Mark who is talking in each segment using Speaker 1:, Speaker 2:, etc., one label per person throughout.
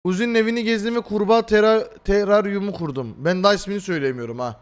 Speaker 1: Uzi'nin evini gezdim ve kurbağa teraryumu kurdum. Ben daha ismini söyleyemiyorum ha.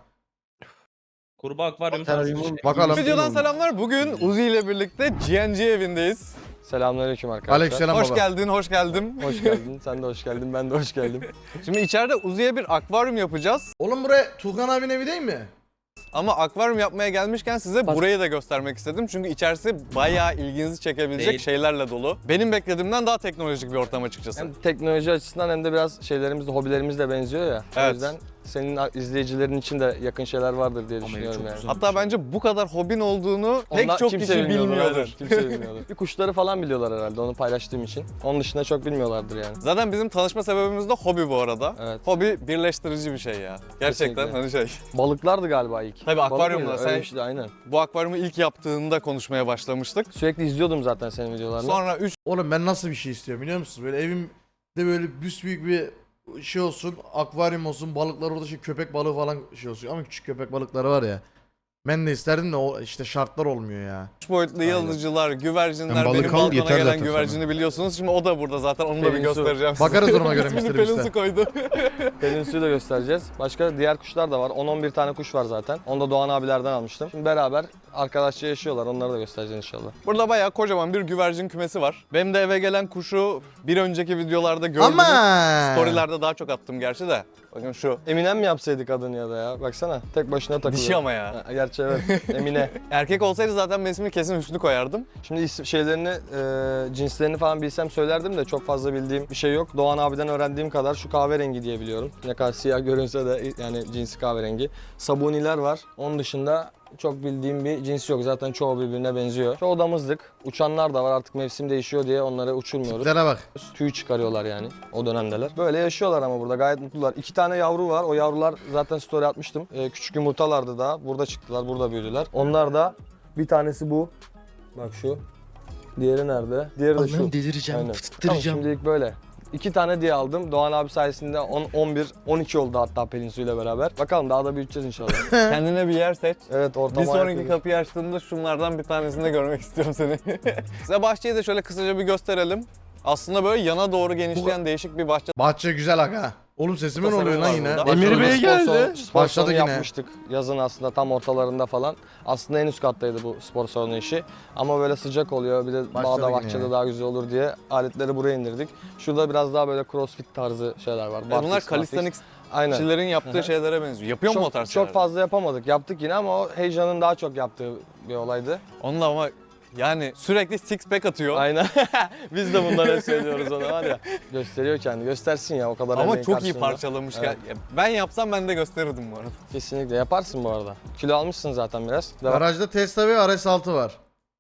Speaker 2: Kurbağa akvaryum tarzı bir şey.
Speaker 1: Bakalım.
Speaker 3: Videodan selamlar. Bugün Uzi ile birlikte GNG evindeyiz.
Speaker 4: Selamünaleyküm arkadaşlar.
Speaker 1: Aleykümselam
Speaker 3: Hoş
Speaker 1: baba.
Speaker 3: geldin, hoş geldin.
Speaker 4: Hoş geldin. Sen de hoş geldin. Ben de hoş geldim.
Speaker 3: Şimdi içeride Uzi'ye bir akvaryum yapacağız.
Speaker 1: Oğlum buraya Tuğkan abinin evi değil mi?
Speaker 3: Ama akvaryum yapmaya gelmişken size burayı da göstermek istedim. Çünkü içerisi bayağı ilginizi çekebilecek
Speaker 2: Değil.
Speaker 3: şeylerle dolu. Benim beklediğimden daha teknolojik bir ortam açıkçası.
Speaker 4: Hem teknoloji açısından hem de biraz şeylerimiz de hobilerimiz de benziyor ya.
Speaker 3: Evet.
Speaker 4: O yüzden senin izleyicilerin için de yakın şeyler vardır diye düşünüyorum yani.
Speaker 3: Hatta bence bu kadar hobin olduğunu pek
Speaker 4: Onlar
Speaker 3: çok
Speaker 4: kimse
Speaker 3: kişi
Speaker 4: bilmiyordur,
Speaker 3: bilmiyordur.
Speaker 4: aynen. Kimse bilmiyordur. Bir kuşları falan biliyorlar herhalde onu paylaştığım için. Onun dışında çok bilmiyorlardır yani.
Speaker 3: Zaten bizim tanışma sebebimiz de hobi bu arada.
Speaker 4: Evet.
Speaker 3: Hobi birleştirici bir şey ya. Gerçekten
Speaker 4: Kesinlikle.
Speaker 3: hani şey.
Speaker 4: Balıklardı galiba ilk.
Speaker 3: Tabii
Speaker 4: Balık
Speaker 3: akvaryumda
Speaker 4: mıydı?
Speaker 3: sen-
Speaker 4: Öyle bir şeydi, aynen.
Speaker 3: Bu akvaryumu ilk yaptığında konuşmaya başlamıştık.
Speaker 4: Sürekli izliyordum zaten senin videolarını.
Speaker 3: Sonra 3
Speaker 1: Oğlum ben nasıl bir şey istiyorum biliyor musun? Böyle evimde böyle büyük bir şey olsun, akvaryum olsun, balıklar orada köpek balığı falan şey olsun. Ama küçük köpek balıkları var ya. Ben de isterdim de o işte şartlar olmuyor ya.
Speaker 3: boyutlu yıldızcılar, güvercinler,
Speaker 5: Yani balık
Speaker 3: benim
Speaker 5: al,
Speaker 3: balkona
Speaker 5: yeter
Speaker 3: gelen
Speaker 5: zaten
Speaker 3: güvercini biliyorsunuz. Şimdi o da burada zaten, onu da bir
Speaker 4: Pelin su.
Speaker 3: göstereceğim size.
Speaker 1: Bakarız duruma göre
Speaker 3: İsmini
Speaker 1: Mr.
Speaker 3: Pelin
Speaker 1: Beast'e.
Speaker 3: su koydu.
Speaker 4: Pelin suyu da göstereceğiz. Başka diğer kuşlar da var. 10-11 tane kuş var zaten. Onu da Doğan abilerden almıştım. Şimdi beraber arkadaşça yaşıyorlar. Onları da göstereceğiz inşallah.
Speaker 3: Burada bayağı kocaman bir güvercin kümesi var. Benim de eve gelen kuşu bir önceki videolarda gördünüz.
Speaker 1: Ama
Speaker 3: Storylerde daha çok attım gerçi de. Bakın şu.
Speaker 4: Eminem mi yapsaydık adını ya da ya? Baksana tek başına takılıyor.
Speaker 3: Dişi ama ya.
Speaker 4: Ha, gerçi evet. Emine.
Speaker 3: Erkek olsaydı zaten ben ismini kesin Hüsnü koyardım.
Speaker 4: Şimdi şeylerini, cinslerini falan bilsem söylerdim de çok fazla bildiğim bir şey yok. Doğan abiden öğrendiğim kadar şu kahverengi diye biliyorum. Ne kadar siyah görünse de yani cinsi kahverengi. Sabuniler var. Onun dışında çok bildiğim bir cins yok. Zaten çoğu birbirine benziyor. Çoğu damızlık. Uçanlar da var, artık mevsim değişiyor diye onları uçurmuyoruz.
Speaker 1: tiplere bak.
Speaker 4: Tüy çıkarıyorlar yani o dönemdeler. Böyle yaşıyorlar ama burada gayet mutlular. 2 tane yavru var. O yavrular zaten story atmıştım. Küçük yumurtalardı daha. Burada çıktılar, burada büyüdüler. Onlar da bir tanesi bu. Bak şu. Diğeri nerede? Diğeri de şu.
Speaker 5: Allah'ım delireceğim,
Speaker 4: Aynen.
Speaker 5: fıttıracağım.
Speaker 4: Tamam, şimdilik böyle. 2 tane diye aldım. Doğan abi sayesinde 10, 11, 12 oldu hatta Pelin Su'yla beraber. Bakalım daha da büyüteceğiz inşallah.
Speaker 3: Kendine bir yer seç.
Speaker 4: Evet, ortama
Speaker 3: Bir sonraki
Speaker 4: yapıyoruz.
Speaker 3: kapıyı açtığımda şunlardan bir tanesini de görmek istiyorum seni. Size bahçeyi de şöyle kısaca bir gösterelim. Aslında böyle yana doğru genişleyen değişik bir bahçe
Speaker 1: Bahçe güzel aga. Oğlum sesime ne
Speaker 3: Tasarımı
Speaker 1: oluyor lan
Speaker 3: var
Speaker 1: yine?
Speaker 3: burada.
Speaker 5: Emir Bey geldi.
Speaker 4: Spor
Speaker 1: Başladı
Speaker 4: salonu
Speaker 1: yine.
Speaker 4: yapmıştık yazın aslında tam ortalarında falan. Aslında en üst kattaydı bu spor salonu işi. Ama böyle sıcak oluyor, bir de
Speaker 1: Başladı
Speaker 4: bağda
Speaker 1: yine
Speaker 4: bahçede
Speaker 1: ya.
Speaker 4: daha güzel olur diye aletleri buraya indirdik. Şurada biraz daha böyle crossfit tarzı şeyler var.
Speaker 3: Bunlar
Speaker 4: Barfix,
Speaker 3: calisthenics
Speaker 4: Aynen.
Speaker 3: kişilerin yaptığı şeylere benziyor. Yapıyor mu o tarz
Speaker 4: Çok
Speaker 3: şeyler?
Speaker 4: fazla yapamadık. Yaptık yine ama o heyecanın daha çok yaptığı bir olaydı.
Speaker 3: Onunla ama yani sürekli six pack atıyor.
Speaker 4: Aynen. Biz de bunları hep söylüyoruz ona var ya. Gösteriyor kendi. Göstersin ya o kadar
Speaker 3: Ama
Speaker 4: emeğin
Speaker 3: çok iyi
Speaker 4: karşılığında.
Speaker 3: parçalamış.
Speaker 4: Evet.
Speaker 3: Ya ben yapsam ben de gösterirdim bu arada.
Speaker 4: Kesinlikle yaparsın bu arada. Kilo almışsın zaten biraz. Devam.
Speaker 1: Garajda Tesla ve RS6 var.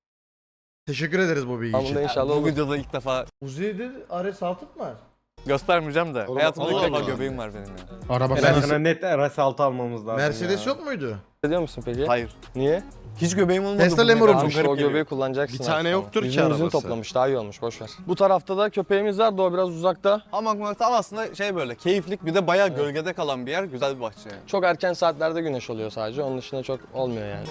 Speaker 1: Teşekkür ederiz bu bilgi
Speaker 4: Tamam,
Speaker 1: için.
Speaker 4: da inşallah
Speaker 3: Bu
Speaker 4: olur.
Speaker 3: videoda ilk defa
Speaker 1: Uzi'de RS6 mı var?
Speaker 3: göstermeyeceğim de.
Speaker 4: Olur,
Speaker 3: Hayatımda ilk
Speaker 5: Allah
Speaker 3: defa
Speaker 5: Allah.
Speaker 3: göbeğim var benim ya.
Speaker 5: Araba
Speaker 6: Ben
Speaker 5: falan.
Speaker 6: sana net RS6 almamız lazım
Speaker 1: Mercedes
Speaker 6: ya.
Speaker 1: yok muydu?
Speaker 4: Ediyor musun peki?
Speaker 3: Hayır.
Speaker 4: Niye?
Speaker 3: Hiç göbeğim olmadı.
Speaker 1: Tesla
Speaker 3: bugüne
Speaker 1: Lemur
Speaker 3: kadar.
Speaker 1: olmuş.
Speaker 3: Çok garip
Speaker 4: O
Speaker 3: geliyor.
Speaker 4: göbeği kullanacaksın.
Speaker 5: Bir tane
Speaker 4: artık
Speaker 5: yoktur
Speaker 4: ama.
Speaker 5: ki
Speaker 4: Yüzünü
Speaker 5: arabası.
Speaker 4: toplamış, daha iyi olmuş, boş ver. Bu tarafta da köpeğimiz var da o biraz uzakta.
Speaker 3: Hamak tam aslında şey böyle keyiflik, bir de bayağı gölgede kalan bir yer. Güzel bir bahçe yani.
Speaker 4: Çok erken saatlerde güneş oluyor sadece. Onun dışında çok olmuyor yani.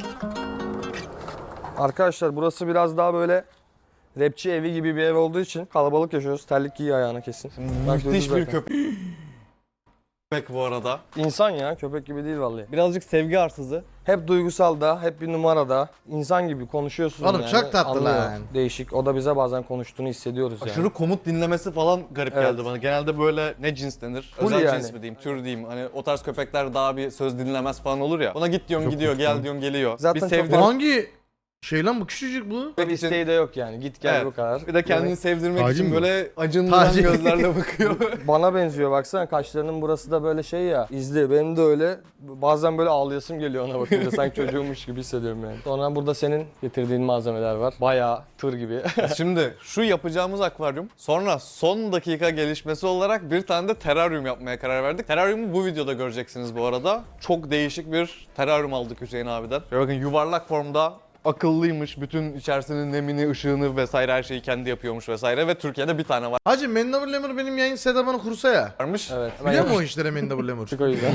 Speaker 4: Arkadaşlar burası biraz daha böyle rapçi evi gibi bir ev olduğu için kalabalık yaşıyoruz. Terlik giy ayağına kesin. Bak,
Speaker 3: Müthiş
Speaker 4: duydun
Speaker 3: bir
Speaker 4: zaten.
Speaker 3: köpek bu arada.
Speaker 4: İnsan ya, köpek gibi değil vallahi.
Speaker 3: Birazcık sevgi arsızı.
Speaker 4: Hep duygusal da, hep bir numarada. İnsan gibi konuşuyorsun
Speaker 1: Oğlum
Speaker 4: yani.
Speaker 1: çok tatlı
Speaker 4: Anlıyor.
Speaker 1: lan.
Speaker 4: Değişik. O da bize bazen konuştuğunu hissediyoruz yani.
Speaker 3: Aşırı komut dinlemesi falan garip
Speaker 4: Evet.
Speaker 3: geldi bana. Genelde böyle ne cins denir?
Speaker 4: Full
Speaker 3: Özel
Speaker 4: yani.
Speaker 3: cins mi diyeyim, tür diyeyim. Hani o tarz köpekler daha bir söz dinlemez falan olur ya. Ona git diyorsun gidiyor, gel diyorsun geliyor.
Speaker 4: Zaten
Speaker 3: bir
Speaker 4: çok
Speaker 3: sevdir.
Speaker 1: Bu hangi şey lan bu küçücük bu?
Speaker 4: Pek isteği de yok yani. Git gel
Speaker 3: Evet.
Speaker 4: bu kadar.
Speaker 3: Bir de kendini
Speaker 4: Yani
Speaker 3: sevdirmek
Speaker 5: Tacı
Speaker 3: için
Speaker 5: mı?
Speaker 3: böyle acındıran
Speaker 1: Tacı.
Speaker 3: gözlerle bakıyor.
Speaker 4: bana benziyor baksana, kaşlarının burası da böyle şey ya, izli. Benim de öyle. Bazen böyle ağlayasım geliyor ona bakınca. Sanki çocuğummuş gibi hissediyorum yani. Sonra burada senin getirdiğin malzemeler var. Bayağı tır gibi.
Speaker 3: Şimdi şu yapacağımız akvaryum, sonra son dakika gelişmesi olarak bir tane de teraryum yapmaya karar verdik. Teraryumu bu videoda göreceksiniz bu arada. Çok değişik bir teraryum aldık Hüseyin abiden. Şöyle bakın, yuvarlak formda akıllıymış. Bütün içerisinin nemini, ışığını vesaire her şeyi kendi yapıyormuş vesaire ve Türkiye'de bir tane
Speaker 1: Hacı Mendable Lemur benim yayın setup'ını kursa ya.
Speaker 3: varmış.
Speaker 4: Evet.
Speaker 1: Biliyor musun o işlere Mendable Lemur?
Speaker 4: Çık o yüzden.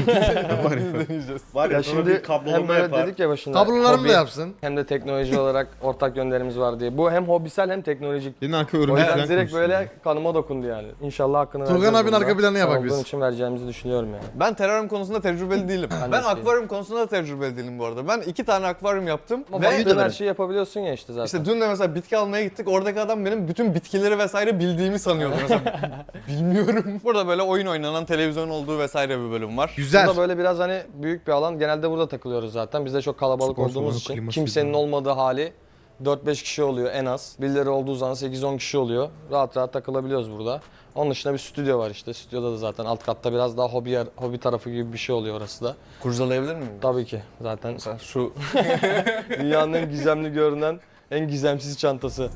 Speaker 6: Var ya,
Speaker 4: Ya
Speaker 6: sonra
Speaker 4: şimdi
Speaker 6: bir kablolama
Speaker 4: hem böyle
Speaker 6: yapar.
Speaker 4: dedik ya başında.
Speaker 1: Kablolarımı
Speaker 4: hobi
Speaker 1: da yapsın.
Speaker 4: Hem de teknoloji olarak ortak yönlerimiz var diye. Bu hem hobisel hem teknolojik.
Speaker 5: Senin arka
Speaker 4: O
Speaker 5: örümcek
Speaker 4: yüzden
Speaker 5: falan
Speaker 4: direkt
Speaker 5: konuşuyor.
Speaker 4: böyle kanıma dokundu yani. İnşallah hakkını
Speaker 1: Turgan
Speaker 4: vereceğiz
Speaker 1: abinin
Speaker 4: bunda.
Speaker 1: arka planını
Speaker 4: Sen
Speaker 1: yapak
Speaker 4: olduğun
Speaker 1: biz.
Speaker 4: için vereceğimizi düşünüyorum yani.
Speaker 3: Ben teraryum konusunda tecrübeli değilim.
Speaker 4: Ben de
Speaker 3: Ben
Speaker 4: değilim.
Speaker 3: akvaryum konusunda da tecrübeli değilim bu arada. Ben 2 tane akvaryum yaptım
Speaker 4: Ama
Speaker 3: ve
Speaker 4: baktığın her şeyi yapabiliyorsun ya işte zaten.
Speaker 3: işte dün de mesela bitki almaya gittik. Oradaki adam benim bütün bitkileri vesaire bildiğimi sanıyordu mesela. Bilmiyorum. Burada böyle oyun oynanan televizyon olduğu vesaire bir bölüm var.
Speaker 1: Güzel.
Speaker 4: Burada böyle biraz hani büyük bir alan. Genelde burada takılıyoruz zaten. Biz de çok kalabalık
Speaker 5: Spor
Speaker 4: olduğumuz
Speaker 5: salonu,
Speaker 4: için.
Speaker 5: kliması
Speaker 4: Kimsenin
Speaker 5: falan.
Speaker 4: olmadığı hali 4-5 kişi oluyor en az. Birileri olduğu zaman 8-10 kişi oluyor. Rahat rahat takılabiliyoruz burada. Onun dışında bir stüdyo var işte. Stüdyoda da zaten alt katta biraz daha hobi tarafı gibi bir şey oluyor orası da.
Speaker 3: Kurcalayabilir miyim?
Speaker 4: Tabii ki zaten
Speaker 3: Mesela şu
Speaker 4: dünyanın en gizemli görünen en gizemsiz çantası.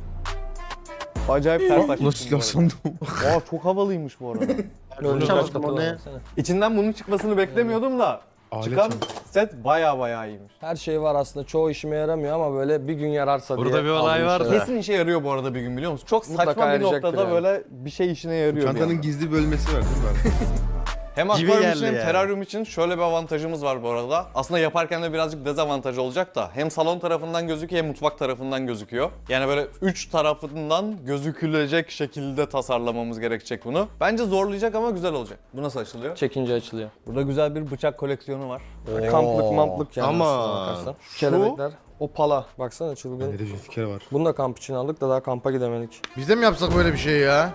Speaker 3: acayip ters
Speaker 5: Ulan silah sandım.
Speaker 3: Aa, çok havalıymış bu arada.
Speaker 4: Öyle
Speaker 5: Tamam,
Speaker 4: kaç katı
Speaker 5: o
Speaker 4: var
Speaker 5: ne?
Speaker 4: baksana.
Speaker 3: İçinden bunun çıkmasını beklemiyordum da
Speaker 5: Alet
Speaker 3: çıkan
Speaker 5: sandım.
Speaker 3: set baya iyiymiş.
Speaker 4: Her şey var aslında. Çoğu işime yaramıyor ama böyle bir gün yararsa diye.
Speaker 7: Burada bir olay
Speaker 4: aldığım
Speaker 7: var
Speaker 4: şeyler.
Speaker 7: da.
Speaker 3: Kesin işe yarıyor bu arada bir gün biliyor musun? Çok
Speaker 4: Mutlaka
Speaker 3: saçma bir
Speaker 4: yarayacaktır
Speaker 3: noktada
Speaker 4: yani.
Speaker 3: böyle bir şey işine yarıyor. bir
Speaker 5: Çantanın
Speaker 3: anda.
Speaker 5: gizli bölmesi var değil mi?
Speaker 3: Hem
Speaker 7: Gibi
Speaker 3: akvaryum
Speaker 7: geldi
Speaker 3: için hem
Speaker 7: yani.
Speaker 3: teraryum için şöyle bir avantajımız var bu arada. Aslında yaparken de birazcık dezavantaj olacak da. Hem salon tarafından gözüküyor hem mutfak tarafından gözüküyor. Yani böyle 3 tarafından gözükülecek şekilde tasarlamamız gerekecek bunu. Bence zorlayacak ama güzel olacak. Bu nasıl açılıyor?
Speaker 4: Çekince açılıyor.
Speaker 3: Burada güzel bir bıçak koleksiyonu var.
Speaker 4: Kamplık mamplık yani
Speaker 5: Ama
Speaker 4: aslına bakarsan. Kelebekler. O pala. Baksana çılgın.
Speaker 5: Nerede fikir var.
Speaker 4: Bunu da kamp için aldık da daha kampa gidemedik.
Speaker 1: Biz de mi yapsak böyle bir şey ya?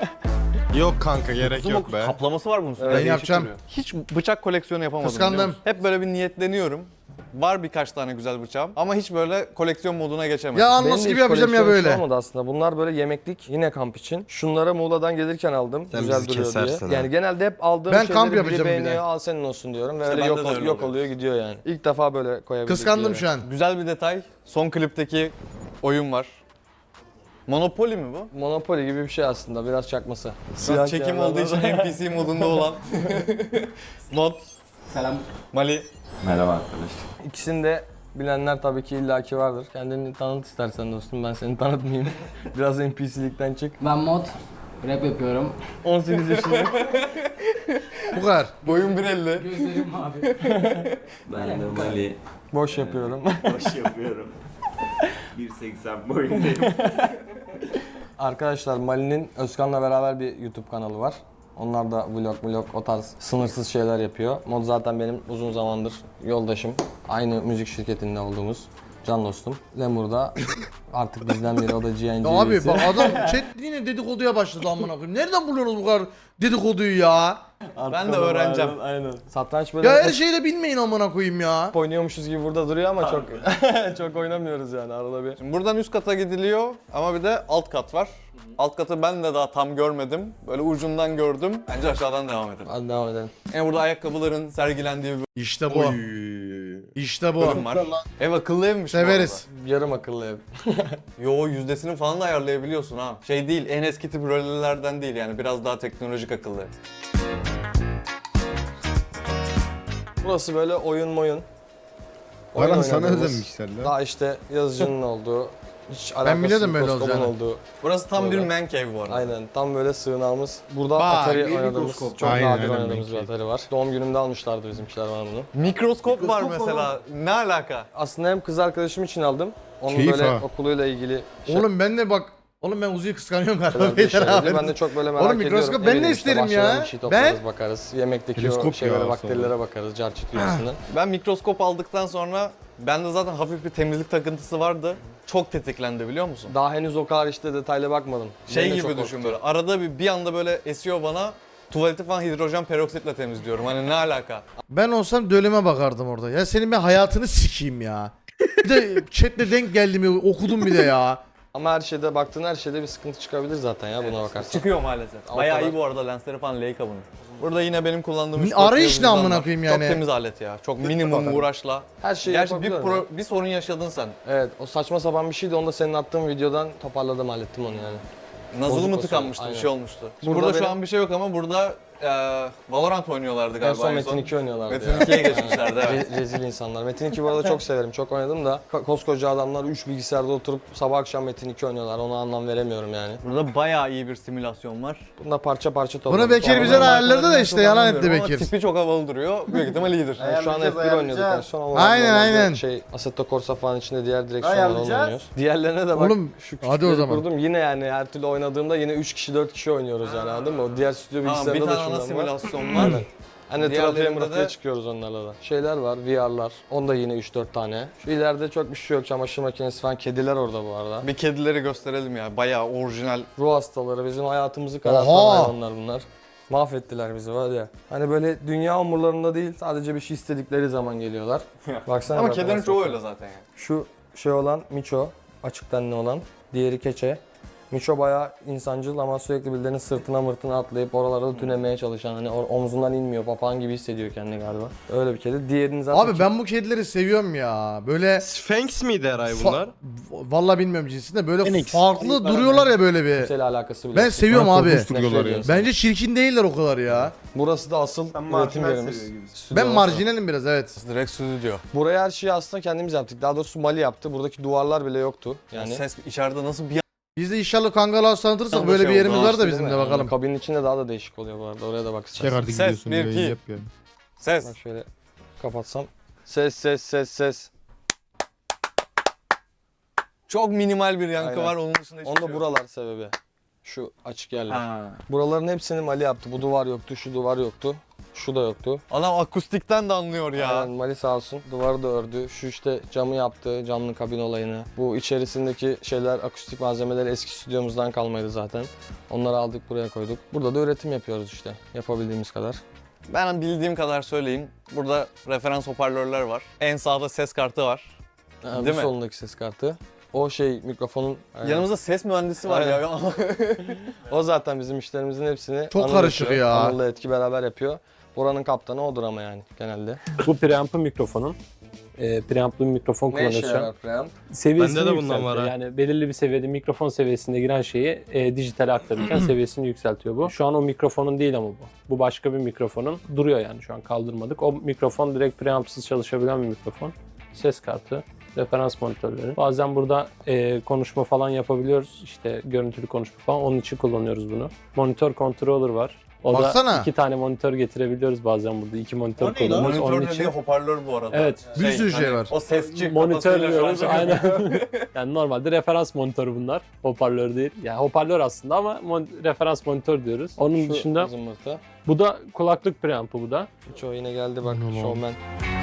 Speaker 5: Yok kanka gerek yok be.
Speaker 3: Kaplaması var bunun üstünde.
Speaker 1: Ben
Speaker 3: Değişik
Speaker 1: yapacağım.
Speaker 3: duruyor. Hiç bıçak koleksiyonu yapamadım.
Speaker 1: Kıskandım.
Speaker 3: biliyor musun? Hep böyle bir niyetleniyorum. Var birkaç tane güzel bıçağım ama hiç böyle koleksiyon moduna geçemedim.
Speaker 1: Ya
Speaker 4: Benim
Speaker 1: anlas
Speaker 4: de
Speaker 1: gibi
Speaker 4: hiç
Speaker 1: yapacağım ya
Speaker 4: koleksiyon
Speaker 1: böyle.
Speaker 4: olmadı aslında. Bunlar böyle yemeklik yine kamp için. Şunları Muğla'dan gelirken aldım.
Speaker 5: Sen
Speaker 4: Güzel
Speaker 5: bizi
Speaker 4: duruyor
Speaker 5: kesersin
Speaker 4: diye.
Speaker 5: ha.
Speaker 4: Yani genelde hep aldığım
Speaker 1: Ben
Speaker 4: şeyleri
Speaker 1: kamp
Speaker 4: biri
Speaker 1: yapacağım bir de.
Speaker 4: beğeniyor, al senin olsun diyorum ve
Speaker 3: İşte
Speaker 4: öyle
Speaker 3: bende
Speaker 4: yok,
Speaker 3: de öyle
Speaker 4: yok
Speaker 3: oluyor.
Speaker 4: oluyor gidiyor yani. İlk defa böyle koyabildik.
Speaker 1: Kıskandım
Speaker 4: bir yere.
Speaker 1: şu an.
Speaker 3: Güzel bir detay. Son klipteki oyun var. Monopoly mi bu?
Speaker 4: Monopoly gibi bir şey aslında biraz çakması.
Speaker 3: Şu an çekim olduğu için NPC modunda olan mod.
Speaker 7: Selam.
Speaker 3: Mali.
Speaker 7: Merhaba arkadaşlar.
Speaker 4: İkisini de bilenler tabii ki illaki vardır. Kendini tanıt istersen dostum, ben seni tanıtmayayım. Biraz NPC'likten çık.
Speaker 8: Ben mod rap yapıyorum.
Speaker 4: 18 yaşındayım.
Speaker 1: Bu kadar.
Speaker 3: Boyun 1.50.
Speaker 8: Gözlerim mavi.
Speaker 7: Ben de Mali.
Speaker 4: Boş yapıyorum.
Speaker 7: Boş yapıyorum. 1.80 boyundayım.
Speaker 4: Arkadaşlar Mali'nin Özkan'la beraber bir YouTube kanalı var. Onlar da vlog o tarz sınırsız şeyler yapıyor. Mod zaten benim uzun zamandır yoldaşım. Aynı müzik şirketinde olduğumuz can dostum. Lemur da artık bizden biri, o da GNG
Speaker 1: Ya abi
Speaker 4: üyesi.
Speaker 1: bak adam chat yine dedikoduya başladı amına koyayım. Nereden buluyorsunuz bu kadar dedikoduyu ya?
Speaker 3: Ben de öğreneceğim.
Speaker 4: Aynen. Satranç böyle
Speaker 1: Ya her
Speaker 4: hep
Speaker 1: şeyi de bilmeyin amına koyayım ya.
Speaker 4: oynuyormuşuz gibi burada duruyor ama çok çok oynamıyoruz yani arada bir.
Speaker 3: Şimdi buradan üst kata gidiliyor ama bir de alt kat var. Alt katı ben de daha tam görmedim. Böyle ucundan gördüm. Bence aşağıdan devam edelim.
Speaker 4: Hadi devam edelim.
Speaker 3: Yani burada ayakkabıların sergilendiği bir
Speaker 1: İşte bu. İşte bu.
Speaker 3: bölüm var. Ev akıllı evmiş bu
Speaker 1: Severiz.
Speaker 4: Yarım akıllı ev.
Speaker 3: arada. Yo yüzdesini falan da ayarlayabiliyorsun ha. Şey değil, en eski tip rölelerden değil yani biraz daha teknolojik akıllı ev.
Speaker 4: Burası böyle oyun. Oyun
Speaker 5: Baran sana
Speaker 4: oynadığımız,
Speaker 5: özenmişler lan.
Speaker 4: daha işte yazıcının olduğu, hiç
Speaker 1: Ben biliyordum
Speaker 4: alakasız
Speaker 1: böyle
Speaker 4: mikroskopun
Speaker 1: olacağını.
Speaker 4: olduğu.
Speaker 3: Burası tam bir
Speaker 4: Böyle.
Speaker 3: man cave bu arada.
Speaker 4: Aynen tam böyle sığınağımız. Burada
Speaker 1: Bak,
Speaker 4: Atari
Speaker 5: bir
Speaker 4: oynadığımız,
Speaker 5: mikroskop.
Speaker 4: çok
Speaker 5: Aynen,
Speaker 4: nadir
Speaker 5: aynen,
Speaker 4: oynadığımız bir
Speaker 5: belki.
Speaker 4: Atari var. Doğum günümde almışlardı bizimkiler bana bunu.
Speaker 3: Mikroskop var mesela. Ne alaka?
Speaker 4: Aslında hem kız arkadaşım için aldım. Onun
Speaker 5: Keyif
Speaker 4: böyle
Speaker 5: ha.
Speaker 4: okuluyla ilgili
Speaker 1: Oğlum ben de bak. Oğlum ben Uzi'yi kıskanıyorum galiba.
Speaker 4: şeyler, bir
Speaker 1: Beyler
Speaker 4: şeyler.
Speaker 1: abi.
Speaker 4: Ben de çok böyle merak
Speaker 1: Oğlum
Speaker 4: ediyorum.
Speaker 1: mikroskop ben de
Speaker 4: Eminim
Speaker 1: isterim
Speaker 4: bahçeden
Speaker 1: ya.
Speaker 4: Bir şey toplarız,
Speaker 1: Ben-
Speaker 4: bakarız. Yemekteki
Speaker 5: Teleskop
Speaker 4: o şeylere,
Speaker 5: ya
Speaker 4: bakterilere bakarız. Carçıt üyesinden.
Speaker 3: Ben mikroskop aldıktan sonra bende zaten hafif bir temizlik takıntısı vardı. Çok tetiklendi biliyor musun?
Speaker 4: Daha henüz o kadar işte detaylı bakmadım.
Speaker 3: Şey
Speaker 4: Beni de
Speaker 3: gibi
Speaker 4: çok
Speaker 3: düşün
Speaker 4: korktu.
Speaker 3: böyle. Arada bir anda böyle esiyor bana. Tuvaleti falan hidrojen peroksitle temizliyorum. Hani ne alaka?
Speaker 1: Ben olsam döleme bakardım orada. Ya senin ben hayatını sikeyim ya. Bir de chatle denk geldim ya, okudum bir de ya.
Speaker 4: Ama her şeyde baktığın her şeyde bir sıkıntı çıkabilir zaten ya buna bakarsan.
Speaker 3: Çıkıyor maalesef.
Speaker 4: O
Speaker 3: Bayağı
Speaker 4: kadar.
Speaker 3: iyi bu arada lensleri falan Leica bunun. Burada yine benim kullandığım
Speaker 1: Arayış ne amına koyayım yani?
Speaker 3: Çok temiz alet ya. Çok minimum uğraşla.
Speaker 4: Her şeyi
Speaker 3: Gerçi
Speaker 4: yapabiliyorum ya.
Speaker 3: bir sorun yaşadın sen.
Speaker 4: Evet o saçma sapan bir şeydi, onu da senin attığın videodan toparladım, hallettim onu yani.
Speaker 3: Nazılı
Speaker 4: Bozuk
Speaker 3: mı
Speaker 4: o
Speaker 3: tıkanmıştı, bir
Speaker 4: aynen.
Speaker 3: şey olmuştu.
Speaker 4: Burada
Speaker 3: Burada şu
Speaker 4: benim-
Speaker 3: an bir şey yok ama burada Valorant oynuyorlardı
Speaker 4: En
Speaker 3: galiba.
Speaker 4: son Metin 2 oynuyorlardı
Speaker 3: Metin
Speaker 4: ya.
Speaker 3: 2'ye geçmişlerdi evet.
Speaker 4: Rezil insanlar. Metin 2 bu arada çok severim. Çok oynadım da koskoca adamlar 3 bilgisayarda oturup sabah akşam Metin 2 oynuyorlar. Ona anlam veremiyorum yani.
Speaker 3: Burada bayağı iyi bir simülasyon var.
Speaker 4: Bunda parça parça topladım.
Speaker 1: Bunu Bekir bize ayarladı da işte yalan etti Bekir.
Speaker 3: Tipi çok havalı duruyor. Büyük ihtimal iyidir.
Speaker 4: Yani şu an
Speaker 6: Ayarlayacağız,
Speaker 4: F1 oynuyorduk en
Speaker 6: ayarlayacağız.
Speaker 4: son ama
Speaker 1: Aynen,
Speaker 4: normalde
Speaker 1: aynen.
Speaker 4: Assetto Corsa falan içinde diğer direksiyonlar onu
Speaker 6: Ayarlayacağız.
Speaker 4: oynuyoruz. Diğerlerine de bak.
Speaker 1: Oğlum,
Speaker 4: şu
Speaker 1: hadi o
Speaker 4: küçükleri
Speaker 1: zaman.
Speaker 4: kurdum. Yine yani her türlü oynadığımda yine 3 kişi 4 kişi oynuyoruz yani anladın mı? O diğer stüdyo
Speaker 3: Tamam, bir
Speaker 4: bilgisayarında da
Speaker 3: tane ana
Speaker 4: şundan var.
Speaker 3: simülasyon var.
Speaker 4: Hani
Speaker 3: Diğerlerinde
Speaker 4: trafiğe mırafiğe
Speaker 3: de-
Speaker 4: çıkıyoruz onlarla da. Şeyler var, VR'lar. Onda yine 3-4 tane. Şu ileride çok bir şey yok. Çamaşır makinesi falan. Kediler orada bu arada.
Speaker 3: Bir kedileri gösterelim ya. Bayağı orijinal.
Speaker 4: Ruh hastaları. Bizim hayatımızı karartan
Speaker 1: Oha!
Speaker 4: hayvanlar bunlar. Mahvettiler bizi var ya. Hani böyle dünya umurlarında değil. Sadece bir şey istedikleri zaman geliyorlar. Baksana.
Speaker 3: Ama
Speaker 4: bak
Speaker 3: kedilerin
Speaker 4: nasıl.
Speaker 3: çoğu öyle zaten yani.
Speaker 4: Şu şey olan Miço. Açık tenli olan. Diğeri Keçe. Miço bayağı insancıl ama sürekli birilerinin sırtına mırtına atlayıp oralarda tünemeye çalışan, hani omzundan inmiyor, papağan gibi hissediyor kendini galiba. Öyle bir kedi. Diğerini zaten
Speaker 1: Abi ben bu kedileri seviyorum ya. Böyle
Speaker 5: Sphinx miydi Eray bunlar?
Speaker 1: vallahi bilmiyorum cinsinde böyle
Speaker 5: Phoenix.
Speaker 1: farklı duruyorlar ya böyle bir.
Speaker 4: kimseyle alakası bile
Speaker 1: Ben
Speaker 4: yok.
Speaker 1: seviyorum
Speaker 5: Bana
Speaker 1: abi.
Speaker 5: korkunç duruyorlar ya.
Speaker 4: ediyorsun.
Speaker 1: Bence çirkin değiller o kadar ya.
Speaker 4: Burası da asıl
Speaker 6: Sen
Speaker 4: üretim
Speaker 6: marjinal
Speaker 4: yerimiz.
Speaker 6: seviyor gibisin.
Speaker 1: Ben
Speaker 4: Stüdyo orası.
Speaker 1: marjinalim biraz evet.
Speaker 3: Direkt stüdyo.
Speaker 4: Buraya her şeyi aslında kendimiz yaptık. Daha doğrusu Mali yaptı. Buradaki duvarlar bile yoktu. Yani
Speaker 3: Ses içeride nasıl bir
Speaker 1: Biz de inşallah Kangal tanıtırsak
Speaker 3: Tam da
Speaker 1: böyle
Speaker 3: şey
Speaker 1: bir yerimiz
Speaker 3: oldu,
Speaker 1: var da
Speaker 4: Değil
Speaker 1: bizim
Speaker 4: mi?
Speaker 1: de
Speaker 4: Yani
Speaker 1: bakalım.
Speaker 4: kabinin içinde daha da değişik oluyor bu arada. Oraya da bak
Speaker 5: Çek
Speaker 4: istersen.
Speaker 5: artık
Speaker 3: Ses,
Speaker 5: gidiyorsun
Speaker 3: bir,
Speaker 5: yayın
Speaker 3: iki.
Speaker 5: yap yani.
Speaker 3: ses.
Speaker 4: Bak şöyle kapatsam. Ses ses ses ses.
Speaker 3: Çok minimal bir yankı
Speaker 4: Aynen.
Speaker 3: var. Onun dışında hiçbir
Speaker 4: Onda
Speaker 3: şey yok.
Speaker 4: buralar sebebi. Şu açık yerler.
Speaker 3: Ha.
Speaker 4: Buraların hepsini Mali yaptı. Bu duvar yoktu, şu duvar yoktu. Şu da yoktu.
Speaker 3: Adam akustikten de anlıyor ya.
Speaker 4: Aynen, Mali sağ olsun. Duvarı da ördü. Şu işte camı yaptı, camlı kabin olayını. Bu içerisindeki şeyler, akustik malzemeler eski stüdyomuzdan kalmaydı zaten. Onları aldık buraya koyduk. Burada da üretim yapıyoruz işte. Yapabildiğimiz kadar.
Speaker 3: Ben bildiğim kadar söyleyeyim. Burada referans hoparlörler var. En sağda ses kartı var.
Speaker 4: Yani
Speaker 3: Değil
Speaker 4: bu
Speaker 3: mi?
Speaker 4: solundaki ses kartı. O şey mikrofonun...
Speaker 3: Yanımızda ses mühendisi var
Speaker 4: Aynen.
Speaker 3: ya.
Speaker 4: O zaten bizim işlerimizin hepsini
Speaker 1: Çok
Speaker 4: Anıl
Speaker 1: karışık
Speaker 4: yapıyor.
Speaker 1: ya.
Speaker 4: Anıl'la Etki beraber yapıyor. Buranın kaptanı odur ama yani genelde.
Speaker 9: Bu preamp'ın mikrofonun. Preamp'lı bir mikrofon
Speaker 4: Ne işe
Speaker 9: kullanıyoruz şu an.
Speaker 4: yarar preamp?
Speaker 9: Seviyesini
Speaker 5: Bende de bundan
Speaker 9: yükseltiyor.
Speaker 5: var ha.
Speaker 9: Yani belirli bir seviyede mikrofon seviyesinde giren şeyi dijitale aktarırken seviyesini yükseltiyor bu. Şu an o mikrofonun değil ama bu. Bu başka bir mikrofonun. Duruyor yani şu an kaldırmadık. O mikrofon direkt preamp'sız çalışabilen bir mikrofon. Ses kartı. Referans monitörleri. Bazen burada konuşma falan yapabiliyoruz. İşte görüntülü konuşma falan. Onun için kullanıyoruz bunu. Monitör controller var. O
Speaker 1: Baksana.
Speaker 9: da 2 tane monitör getirebiliyoruz bazen burada. 2 monitör kullanıyoruz. Onun
Speaker 3: Monitör
Speaker 9: için
Speaker 3: dediği hoparlör bu arada.
Speaker 9: Evet.
Speaker 1: Bir sürü şey var.
Speaker 3: O sesçi
Speaker 9: monitör
Speaker 3: kafasıyla
Speaker 9: diyoruz
Speaker 3: şu an
Speaker 9: aynen. Yani normalde referans monitörü bunlar. Hoparlör değil. Yani hoparlör aslında ama referans monitör diyoruz. Onun
Speaker 4: Şu
Speaker 9: dışında
Speaker 4: zımbırtı.
Speaker 9: bu da kulaklık preampı bu da.
Speaker 4: Çoğu yine geldi bak showman.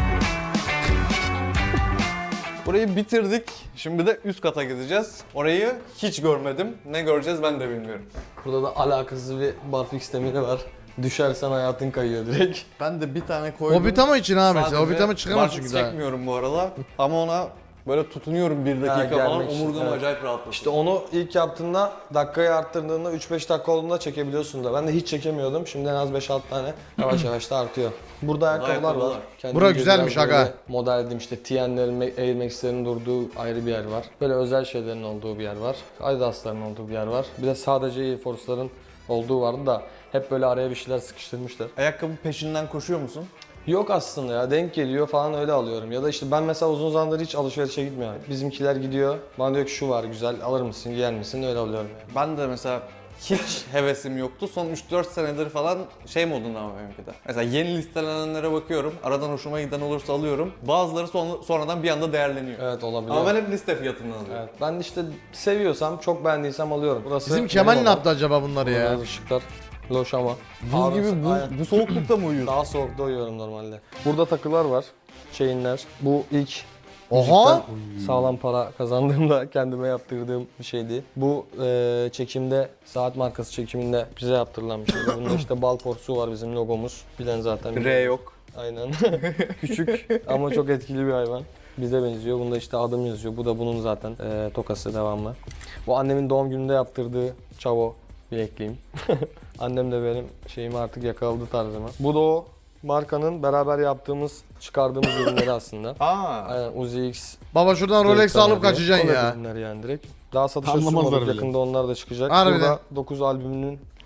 Speaker 3: Burayı bitirdik. Şimdi de üst kata gideceğiz. Orayı hiç görmedim. Ne göreceğiz ben de bilmiyorum.
Speaker 4: Burada da alakasız bir barfix demiri var. Düşersen hayatın kayıyor direkt.
Speaker 3: Ben de bir tane koydum.
Speaker 1: Hobbitama için ha mesela.
Speaker 3: Sadece
Speaker 1: Hobbitama çıkamaz
Speaker 3: barfiks
Speaker 1: çünkü daha.
Speaker 3: çekmiyorum bu arada. Ama ona böyle tutunuyorum bir dakika falan.
Speaker 4: gelmek için,
Speaker 3: Omurgam
Speaker 4: evet.
Speaker 3: acayip rahatlasın.
Speaker 4: İşte onu ilk yaptığında dakikayı arttırdığında 3-5 dakika olduğunda çekebiliyorsun da. Ben de hiç çekemiyordum. Şimdi en az 5-6 tane yavaş yavaş da artıyor. Burada ayakkabılar var.
Speaker 3: ayakkabılar.
Speaker 4: Kendimce
Speaker 1: Bura güzelmiş
Speaker 4: biraz böyle
Speaker 1: aga.
Speaker 4: Model edeyim işte TN'lerin, Air Max'lerin durduğu ayrı bir yer var. Böyle özel şeylerin olduğu bir yer var. Adidas'ların olduğu bir yer var. Bir de sadece Air Force'ların olduğu vardı da hep böyle araya bir şeyler sıkıştırmışlar.
Speaker 3: Ayakkabı peşinden koşuyor musun?
Speaker 4: Yok aslında ya, denk geliyor falan öyle alıyorum. Ya da işte ben mesela uzun zamandır hiç alışverişe gitmiyorum. Bizimkiler gidiyor, bana diyor ki şu var güzel, alır mısın, giyer misin, öyle alıyorum yani.
Speaker 3: Ben de mesela hiç hevesim yoktu. Son 3-4 senedir falan şey modunda ama benimki de. Mesela yeni listelenenlere bakıyorum. Aradan hoşuma giden olursa alıyorum. Bazıları sonradan bir anda değerleniyor.
Speaker 4: Evet olabilir.
Speaker 3: Ama ben hep liste fiyatından alıyorum.
Speaker 4: Evet, ben işte seviyorsam, çok beğendiysem alıyorum. Burası
Speaker 1: Bizim Kemal
Speaker 4: benim
Speaker 1: ne
Speaker 4: odam.
Speaker 1: yaptı acaba bunları
Speaker 4: Burada
Speaker 1: ya?
Speaker 4: biraz ışıklar loş ama.
Speaker 3: Buz gibi
Speaker 4: Aynen.
Speaker 3: bu soğuklukta mı uyuyorsun?
Speaker 4: Daha soğukta uyuyorum normalde. Burada takılar var, chainler. Bu ilk
Speaker 1: Oha!
Speaker 4: müzikten sağlam para kazandığımda kendime yaptırdığım bir şeydi. Bu çekimde, saat markası çekiminde bize yaptırılan bir şeydi. Bunda işte bal porsuğu var, bizim logomuz. Bilen zaten biliyor.
Speaker 3: R yok.
Speaker 4: Aynen. Küçük ama çok etkili bir hayvan. Bize benziyor. Bunda işte adım yazıyor. Bu da bunun zaten tokası devamlı. Bu annemin doğum gününde yaptırdığı çavo bilekliğim. Annem de benim şeyimi artık yakaladı tarzıma. Bu da o markanın beraber yaptığımız, çıkardığımız ürünleri aslında.
Speaker 3: Aa.
Speaker 4: Aynen Uzi X.
Speaker 1: Baba şuradan Rolex alıp kaçacaksın
Speaker 4: Collab
Speaker 1: ya.
Speaker 4: ürünleri yani direkt. Daha satışa
Speaker 5: Anlamazlar
Speaker 4: sunmadık.
Speaker 5: bile.
Speaker 4: Yakında onlar da çıkacak.
Speaker 1: Harbiden.
Speaker 4: Burada 9 albümünün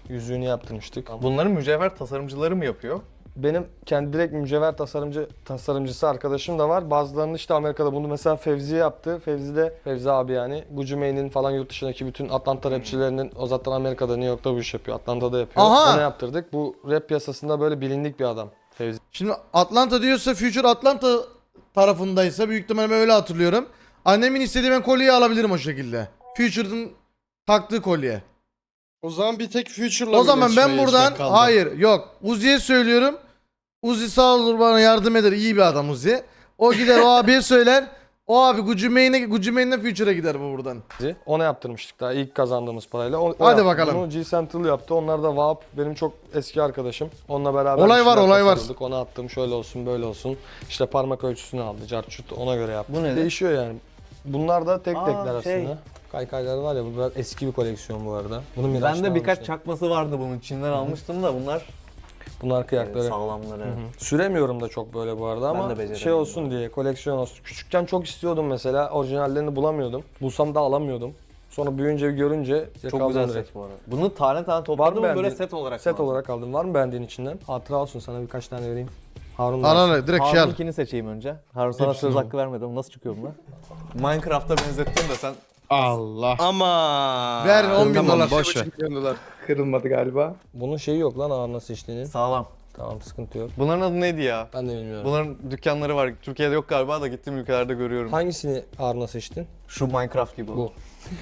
Speaker 4: Yüzüğünü yaptırmıştık.
Speaker 3: Bunları mücevher tasarımcıları mı yapıyor?
Speaker 4: Benim kendi direkt mücevher tasarımcısı arkadaşım da var. Bazılarını işte Amerika'da bunu mesela Fevzi yaptı. Fevzi abi yani Gucci Mane'in falan yurt dışındaki bütün Atlanta rapçilerinin o zaten Amerika'da New York'ta bu iş yapıyor. Atlanta'da yapıyor.
Speaker 1: Aha!
Speaker 4: Onu yaptırdık. Bu rap piyasasında böyle bilindik bir adam Fevzi.
Speaker 1: Şimdi Atlanta diyorsa Future Atlanta tarafındaysa büyük ihtimalle ben öyle hatırlıyorum. Annemin istediği ben kolyeyi alabilirim o şekilde. Future'ın taktığı kolye.
Speaker 5: O zaman bir tek Future'la
Speaker 1: O zaman ben buradan hayır yok Uzi'ye söylüyorum. Uzi sağ olur bana yardım eder. İyi bir adam Uzi. O gider o abiye söyler. O abi Gucci Mane'den Future'a gider bu buradan.
Speaker 4: Ona yaptırmıştık daha ilk kazandığımız parayla. O
Speaker 1: Hadi
Speaker 4: yaptı.
Speaker 1: bakalım.
Speaker 4: Bunu G Central yaptı. Onlar da Vahap benim çok eski arkadaşım. Onunla beraber
Speaker 1: Olay
Speaker 4: bir
Speaker 1: var,
Speaker 4: şeyler
Speaker 1: olay var.
Speaker 4: tasarladık. Ona attım şöyle olsun böyle olsun. İşte parmak ölçüsünü aldı. Carçut ona göre yaptı.
Speaker 3: Bu ne?
Speaker 4: Değişiyor yani. Bunlar da tekler aslında.
Speaker 3: şey.
Speaker 4: Kaykaylar var ya bu biraz eski bir koleksiyon bu arada. Bunu Miraç'tan
Speaker 3: Bende birkaç
Speaker 4: almıştım.
Speaker 3: çakması vardı bunun. Çin'den almıştım da bunlar
Speaker 4: Bunlar kıyakları.
Speaker 3: sağlamları.
Speaker 4: Hı hı. Süremiyorum da çok böyle bu arada
Speaker 3: Ben de
Speaker 4: ama
Speaker 3: beceremiyorum
Speaker 4: şey olsun diye koleksiyon olsun. Küçükken çok istiyordum mesela orijinallerini bulamıyordum. Bulsam da alamıyordum. Sonra büyüyünce görünce
Speaker 3: Çok
Speaker 4: yakaladım
Speaker 3: güzel
Speaker 4: direkt.
Speaker 3: set bu arada. Bunu tane tane topladım mı böyle
Speaker 4: beğendiğin-
Speaker 3: set olarak
Speaker 4: Set
Speaker 3: mı?
Speaker 4: olarak aldım. Var mı beğendiğin içinden? Hatıra olsun sana birkaç tane vereyim. Harun da alsın.
Speaker 1: Ananı direkt şey al.
Speaker 3: Harun'unkini seçeyim önce. Harun sana
Speaker 1: Hepsini
Speaker 3: söz
Speaker 1: al.
Speaker 3: hakkı vermedim. Nasıl çıkıyor bunlar? Minecraft'a benzettim de sen
Speaker 5: Allah. Ama.
Speaker 1: Ver 10 bin dolar.
Speaker 5: Boş ver.
Speaker 6: Kırılmadı galiba.
Speaker 4: Bunun şeyi yok lan ağır nasıl içtiğinin.
Speaker 3: sağlam.
Speaker 4: Tamam sıkıntı yok.
Speaker 3: Bunların adı neydi ya?
Speaker 4: Ben de bilmiyorum.
Speaker 3: Bunların dükkanları var. Türkiye'de yok galiba da gittiğim ülkelerde görüyorum.
Speaker 4: Hangisini ağır nasıl içtin?
Speaker 3: Şu Minecraft gibi.
Speaker 4: Bu.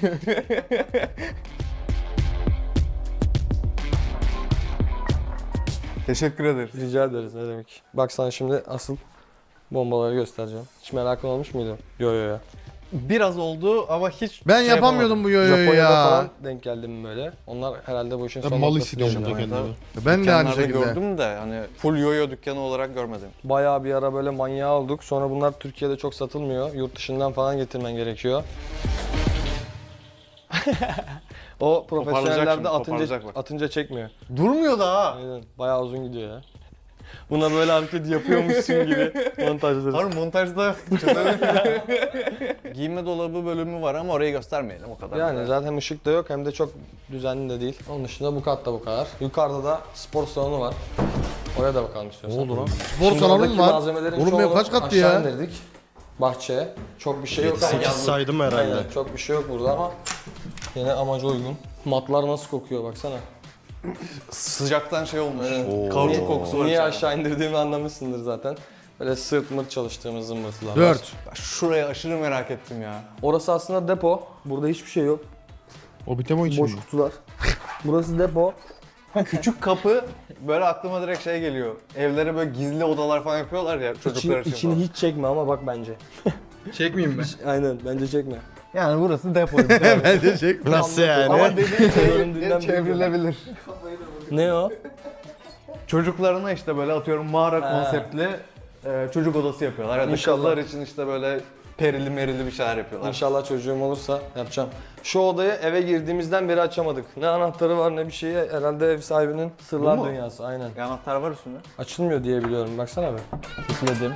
Speaker 3: Teşekkür ederiz.
Speaker 4: Rica ederiz ne demek. Bak sana şimdi asıl bombaları göstereceğim. Hiç merakın olmuş muydu? Yo yo yo.
Speaker 3: Biraz oldu ama hiç
Speaker 1: Ben
Speaker 3: şey
Speaker 1: yapamıyordum bu yoyoyu
Speaker 4: Japonya'da
Speaker 1: ya.
Speaker 4: falan denk geldim böyle. Onlar herhalde bu işin son
Speaker 5: Mal
Speaker 4: noktası
Speaker 5: hissediyorum
Speaker 4: diyorum
Speaker 5: burada
Speaker 4: yani.
Speaker 5: kendimi.
Speaker 1: Ben de aynı
Speaker 3: Dükkanlarda
Speaker 1: şekilde.
Speaker 3: gördüm de hani full yoyo dükkanı olarak görmedim.
Speaker 4: Bayağı bir ara böyle manyağı olduk. Sonra bunlar Türkiye'de çok satılmıyor. Yurt dışından falan getirmen gerekiyor. O profesyonellerde
Speaker 3: şimdi, toparlayacak bak.
Speaker 4: atınca çekmiyor.
Speaker 3: Durmuyor da ha.
Speaker 4: Aynen. Bayağı uzun gidiyor ya. Buna böyle hareket yapıyormuşsun gibi montajları.
Speaker 3: Harun montajda giyinme dolabı bölümü var ama orayı göstermeyelim o kadar.
Speaker 4: Yani zaten hem ışık da yok hem de çok düzenli de değil. Onun dışında bu katta bu kadar. Yukarıda da spor salonu var. Oraya da bakalım istiyorsan.
Speaker 1: Ne oldu lan? Spor
Speaker 4: Şimdi
Speaker 1: salonu
Speaker 4: oradaki
Speaker 1: mu var?
Speaker 4: malzemelerin
Speaker 1: Oğlum benim
Speaker 4: çoğunu
Speaker 1: kaç kattı
Speaker 4: aşağı
Speaker 1: ya?
Speaker 4: indirdik. Bahçeye. Çok bir şey yok.
Speaker 5: 8 saydım herhalde.
Speaker 4: Aynen, çok bir şey yok burada ama yine amaca uygun. Matlar nasıl kokuyor baksana.
Speaker 3: Sıcaktan şey olmuş.
Speaker 4: Evet.
Speaker 3: Kauçuk kokusu var.
Speaker 4: Niye
Speaker 3: içeride.
Speaker 4: aşağı indirdiğimi anlamışsındır zaten. Böyle sırt mırt çalıştığımız zımbırtılar var.
Speaker 1: 4.
Speaker 3: Ben şurayı aşırı merak ettim ya.
Speaker 4: Orası aslında depo. Burada hiçbir şey yok.
Speaker 5: O bitemo için
Speaker 4: Boş
Speaker 5: mi?
Speaker 4: kutular. Burası depo.
Speaker 3: Küçük kapı böyle aklıma direkt şey geliyor. Evlere böyle gizli odalar falan yapıyorlar ya çocuklar için
Speaker 4: İçini
Speaker 3: falan.
Speaker 4: hiç çekme ama bak bence.
Speaker 6: Çekmeyeyim mi?
Speaker 4: Aynen bence çekme.
Speaker 3: Yani burası depo.
Speaker 1: Bence çek.
Speaker 5: Nasıl yani?
Speaker 3: Ama dediğin
Speaker 4: Göründüğünden
Speaker 3: şey çevrilebilir.
Speaker 4: Ne o?
Speaker 3: Çocuklarına işte böyle atıyorum mağara
Speaker 4: He.
Speaker 3: konseptli çocuk odası yapıyorlar. Ya da
Speaker 4: İnşallah.
Speaker 3: kızlar için işte böyle perili merili bir şeyler yapıyorlar.
Speaker 4: İnşallah çocuğum olursa yapacağım. Şu odayı eve girdiğimizden beri açamadık. Ne anahtarı var ne bir şeyi. Herhalde ev sahibinin sırlar
Speaker 3: Bu mu?
Speaker 4: dünyası. Aynen.
Speaker 3: Anahtar var üstünde.
Speaker 4: Açılmıyor diye biliyorum. Baksana be.
Speaker 3: Tıkladım.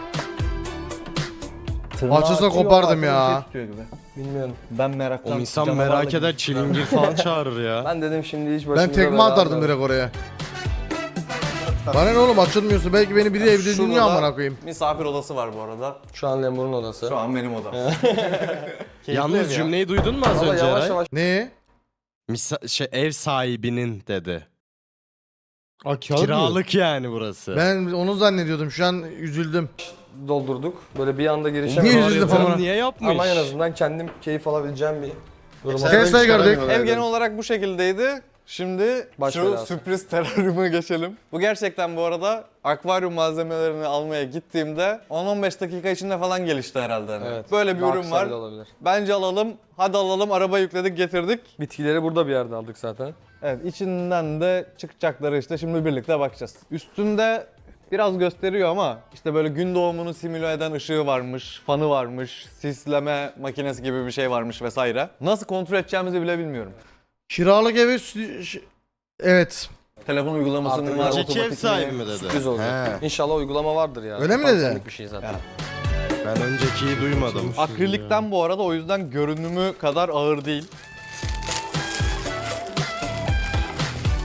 Speaker 1: Açılsa kopardım ya.
Speaker 4: Bilmiyorum.
Speaker 3: Ben meraktan.
Speaker 5: O insan
Speaker 3: canavarla
Speaker 5: merak eder
Speaker 3: gibi.
Speaker 5: çilingir falan çağırır ya.
Speaker 4: Ben dedim şimdi hiç başımıza
Speaker 1: Ben tekme
Speaker 4: bela
Speaker 1: atardım
Speaker 4: almayalım.
Speaker 1: direkt oraya. Bana ne oğlum açılmıyorsa belki beni biri evde
Speaker 3: Şurada
Speaker 1: dinliyor
Speaker 3: da
Speaker 1: amına koyayım.
Speaker 3: Misafir odası var bu arada.
Speaker 4: Şu an Lemur'un odası.
Speaker 3: Şu an benim odam.
Speaker 5: Yalnız cümleyi duydun mu az
Speaker 4: Valla
Speaker 5: önce
Speaker 4: yavaş
Speaker 5: Eray?
Speaker 4: yavaş
Speaker 1: Ne?
Speaker 5: Ev sahibinin dedi.
Speaker 6: Aa,
Speaker 5: Kiralık yani burası.
Speaker 1: Ben onu zannediyordum. Şu an üzüldüm.
Speaker 4: doldurduk. Böyle bir anda
Speaker 1: Niye
Speaker 4: girişemedik.
Speaker 1: üzüldün
Speaker 5: Yatırım
Speaker 1: amına?
Speaker 5: niye yapmış?
Speaker 4: Ama en azından kendim keyif alabileceğim bir duruma.
Speaker 1: Tesla'yı gördük.
Speaker 3: Ev genel olarak bu şekildeydi. Şimdi
Speaker 4: Baş
Speaker 3: şu
Speaker 4: belası.
Speaker 3: sürpriz teraryuma geçelim. Bu gerçekten bu arada akvaryum malzemelerini almaya gittiğimde 10-15 dakika içinde falan gelişti herhalde. Hani.
Speaker 4: Evet.
Speaker 3: Böyle bir
Speaker 4: Daha
Speaker 3: ürün
Speaker 4: kısa
Speaker 3: var.
Speaker 4: bile olabilir.
Speaker 3: Bence alalım. Hadi alalım. Araba yükledik, getirdik.
Speaker 4: Bitkileri burada bir yerde aldık zaten.
Speaker 3: Evet, içinden de çıkacakları işte şimdi birlikte bakacağız. Üstünde biraz gösteriyor ama işte böyle gün doğumunu simüle eden ışığı varmış, fanı varmış, sisleme makinesi gibi bir şey varmış vesaire. Nasıl kontrol edeceğimizi bile bilmiyorum.
Speaker 1: Kiralık eve evet.
Speaker 3: Telefon uygulamasının
Speaker 4: Artık
Speaker 3: var,
Speaker 5: önceki ev
Speaker 3: otomatik
Speaker 5: sahibi
Speaker 3: mi?
Speaker 5: mi dedi?
Speaker 4: Sürpriz olacak.
Speaker 1: He.
Speaker 4: İnşallah uygulama vardır ya.
Speaker 1: Öyle mi dedi?
Speaker 4: Senlik bir şey zaten.
Speaker 3: Ya.
Speaker 5: Ben öncekiyi duymadım.
Speaker 3: Akrilikten bu arada o yüzden görünümü kadar ağır değil.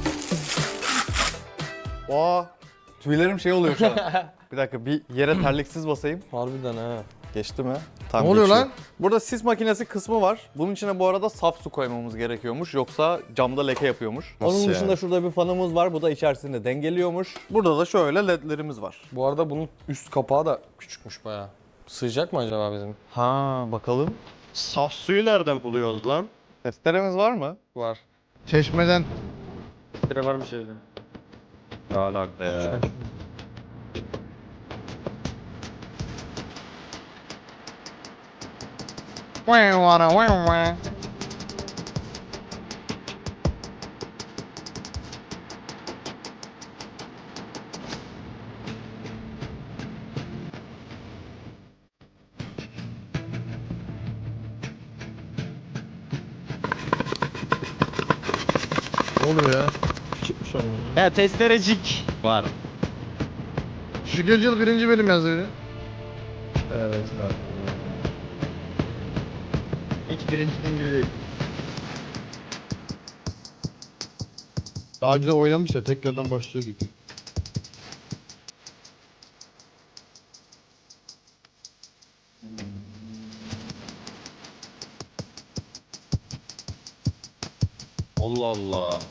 Speaker 3: Aa, tüylerim şey oluyor şu an. Bir dakika bir yere terliksiz basayım.
Speaker 4: Harbiden ha.
Speaker 3: Geçti mi? Tam
Speaker 1: Ne oluyor
Speaker 3: geçiyor.
Speaker 1: lan?
Speaker 3: Burada sis makinesi kısmı var. Bunun içine bu arada saf su koymamız gerekiyormuş. Yoksa camda leke yapıyormuş.
Speaker 5: Nasıl
Speaker 3: Onun
Speaker 5: yani?
Speaker 3: dışında şurada bir fanımız var. Bu da içerisinde dengeliyormuş. Burada da şöyle ledlerimiz var.
Speaker 4: Bu arada bunun üst kapağı da küçükmüş bayağı. Sığacak mı acaba bizim?
Speaker 3: Ha bakalım.
Speaker 5: Saf suyu nereden buluyoruz lan?
Speaker 3: Testeremiz var mı?
Speaker 4: Var.
Speaker 1: Çeşmeden.
Speaker 6: Bire var bir şeyde.
Speaker 5: Ne alaka ya?
Speaker 1: Ne oluyor ya?
Speaker 5: Ya testerecik var.
Speaker 1: Şükür yıl 1. bölüm yazıyor.
Speaker 6: Evet abi. Hiç birincinin gibi değil. Daha önce de oynamış ya tekrardan başlıyor gibi.
Speaker 5: Allah Allah.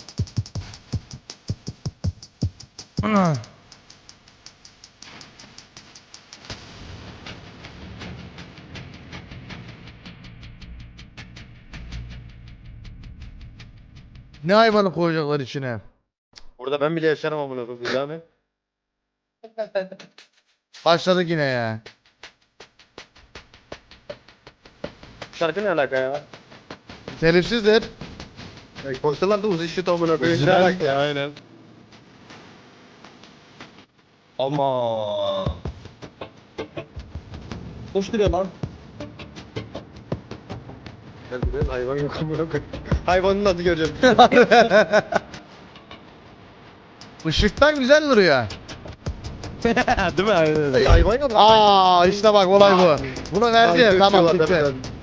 Speaker 1: Ne hayvanı koyacaklar içine?
Speaker 6: Burada ben bile yaşarım amına koyayım. Bir daha ne?
Speaker 1: Başladık yine ya.
Speaker 6: Şarkı ne alaka ya?
Speaker 1: Telifsizdir.
Speaker 6: Koysalar da uzun işi amına koyayım.
Speaker 5: Ne alaka ya aynen.
Speaker 6: Ama. Hoş duruyor lan. Ben hayvan yok amına koyayım. Hayvanın adı göreceğim.
Speaker 1: Işıktan güzel duruyor.
Speaker 5: Değil mi? Aynen.
Speaker 6: Hayvan yok.
Speaker 1: Aa işte bak olay bu. Bunu verdi ya tamam bitti.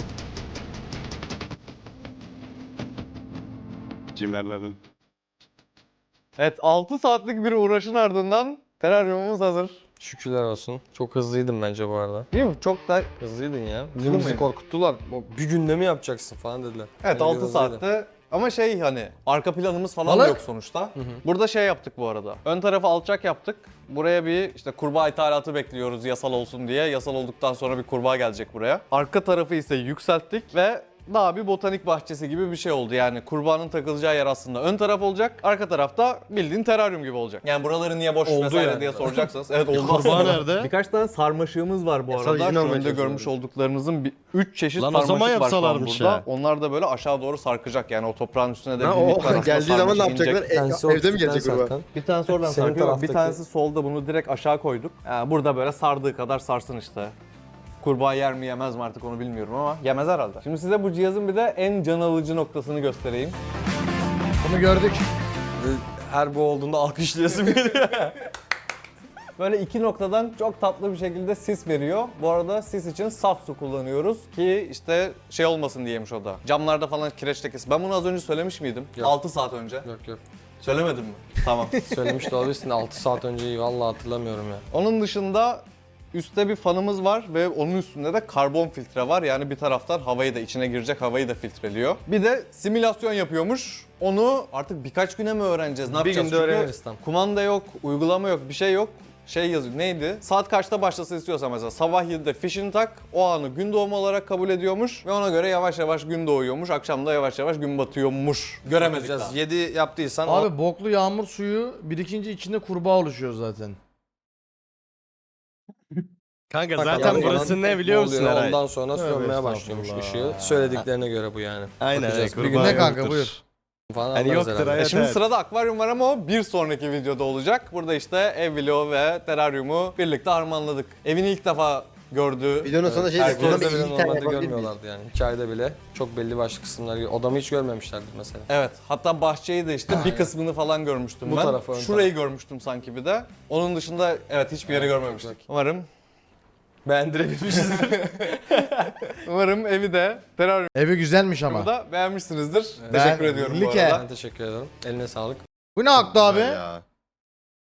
Speaker 5: Cimlerlerin.
Speaker 3: Evet 6 saatlik bir uğraşın ardından teraryumumuz hazır.
Speaker 4: Şükürler olsun. Çok hızlıydın bence bu arada.
Speaker 3: Değil mi? Çok da
Speaker 4: Hızlıydın ya.
Speaker 3: Hızlı
Speaker 4: Bizim bizi
Speaker 3: mıyım?
Speaker 4: korkuttular. Bir günde mi yapacaksın falan dediler.
Speaker 3: Evet
Speaker 4: Bence
Speaker 3: 6
Speaker 4: hızlıydın.
Speaker 3: saatte ama şey hani arka planımız falan
Speaker 1: Balık.
Speaker 3: yok sonuçta. Burada şey yaptık bu arada. Ön tarafı alçak yaptık. Buraya bir işte kurbağa ithalatı bekliyoruz yasal olsun diye. Yasal olduktan sonra bir kurbağa gelecek buraya. Arka tarafı ise yükselttik ve daha bir botanik bahçesi gibi bir şey oldu. Yani kurbağanın takılacağı yer aslında ön taraf olacak. Arka tarafta bildiğin teraryum gibi olacak. Yani buraları niye boş
Speaker 4: Oldu
Speaker 3: vesaire
Speaker 4: yani.
Speaker 3: diye soracaksanız. Evet oldu
Speaker 5: Kurbağa
Speaker 3: aslında.
Speaker 5: nerede?
Speaker 3: Birkaç tane sarmaşığımız var bu
Speaker 6: Yasal
Speaker 3: arada.
Speaker 6: izin
Speaker 3: Şu
Speaker 6: almaya
Speaker 3: önde görmüş
Speaker 6: çalışıyorum.
Speaker 3: olduklarınızın 3 çeşit
Speaker 5: Lan o zaman
Speaker 3: sarmaşık var şu an
Speaker 5: yapsalarmış
Speaker 3: burada.
Speaker 5: ya.
Speaker 3: Onlar da böyle aşağı doğru sarkacak. Yani o toprağın üstüne de
Speaker 6: Ha,
Speaker 3: bir
Speaker 6: o
Speaker 3: miktar aslında
Speaker 6: geldiği zaman ne
Speaker 3: sarmaşık
Speaker 6: yapacaklar?
Speaker 3: inecek.
Speaker 4: Bir tanesi
Speaker 6: Evde mi
Speaker 4: ortadan
Speaker 6: gelecek kurbağa?
Speaker 4: zaten.
Speaker 3: Bir tanesi oradan
Speaker 4: Senin
Speaker 3: sarkıyor. Bir
Speaker 4: taraftaki-
Speaker 3: tanesi solda, bunu direkt aşağı koyduk. Yani burada böyle sardığı kadar sarsın işte. Kurbağa yer mi yemez mi artık onu bilmiyorum ama yemez herhalde. Şimdi size bu cihazın bir de en can alıcı noktasını göstereyim.
Speaker 1: Bunu gördük.
Speaker 4: Her bu olduğunda alkışlayasım geliyor.
Speaker 3: Böyle iki noktadan çok tatlı bir şekilde sis veriyor. Bu arada sis için saf su kullanıyoruz ki işte şey olmasın diyemiş o da. Camlarda falan kireç lekesi. Ben bunu az önce söylemiş miydim?
Speaker 4: Yok.
Speaker 3: 6 saat önce.
Speaker 4: Yok.
Speaker 3: Söylemedim mi? Tamam.
Speaker 4: Söylemiş de olabilirsin. 6 saat önceyi vallahi hatırlamıyorum ya.
Speaker 3: Onun dışında üstte bir fanımız var ve onun üstünde de karbon filtre var. Yani bir taraftan havayı da içine girecek havayı da filtreliyor. Bir de simülasyon yapıyormuş. Onu artık birkaç güne mi öğreneceğiz? Ne
Speaker 4: Bir
Speaker 3: yapacağız?
Speaker 4: günde
Speaker 3: Çünkü
Speaker 4: öğreniriz tam.
Speaker 3: kumanda yok, uygulama yok, bir şey yok. Şey yazıyor. Neydi? Saat kaçta başlasın istiyorsa mesela sabah 7'de fişini tak. O anı gün doğumu olarak kabul ediyormuş ve ona göre yavaş yavaş gün doğuyormuş. Akşam da yavaş yavaş gün batıyormuş. Göremedik daha.
Speaker 4: 7 yaptıysan
Speaker 1: Abi boklu yağmur suyu birikince içinde kurbağa oluşuyor zaten.
Speaker 5: Kanka
Speaker 4: Bak,
Speaker 5: zaten
Speaker 4: yani
Speaker 5: burası ne biliyor musun
Speaker 4: oluyor?
Speaker 5: Eray?
Speaker 4: Ondan sonra
Speaker 1: Tövbe
Speaker 4: sönmeye başlıyormuş
Speaker 1: estağfurullah.
Speaker 4: ışığı. Söylediklerine göre bu yani.
Speaker 5: Aynen.
Speaker 4: Bakacağız. Bir
Speaker 5: kurbağa
Speaker 4: gün
Speaker 1: Ne kanka,
Speaker 5: yoktur.
Speaker 1: buyur.
Speaker 4: falan
Speaker 5: Hani
Speaker 4: anlarız
Speaker 5: yoktur
Speaker 4: herhalde.
Speaker 5: hayat.
Speaker 3: Şimdi
Speaker 5: evet.
Speaker 3: sırada akvaryum var ama o bir sonraki videoda olacak. Burada işte ev vlogu ve teraryumu birlikte harmanladık. Evini ilk defa gördü.
Speaker 6: Videonun sonunda şey
Speaker 3: Herkes
Speaker 6: dedim.
Speaker 4: Videoda bile
Speaker 6: İyi tane
Speaker 4: normalde
Speaker 6: yapabilir miyiz?
Speaker 4: görmüyorlardı yani. Hikayede bile çok belli başlı kısımlar. Odamı hiç görmemişlerdi mesela.
Speaker 3: Evet, hatta bahçeyi de işte bir kısmını falan görmüştüm
Speaker 4: Bu
Speaker 3: ben.
Speaker 4: tarafı, ön
Speaker 3: Şurayı görmüştüm sanki bir de. Onun dışında evet hiçbir yeri görmemiştik. Umarım evi de teraryumu
Speaker 1: Evi güzelmiş ama.
Speaker 3: da beğenmişsinizdir.
Speaker 1: Ben-
Speaker 3: Teşekkür ediyorum bu
Speaker 1: Like.
Speaker 3: arada.
Speaker 4: Ben teşekkür ederim. Eline sağlık.
Speaker 1: Bu ne aktı abi?
Speaker 5: Ya.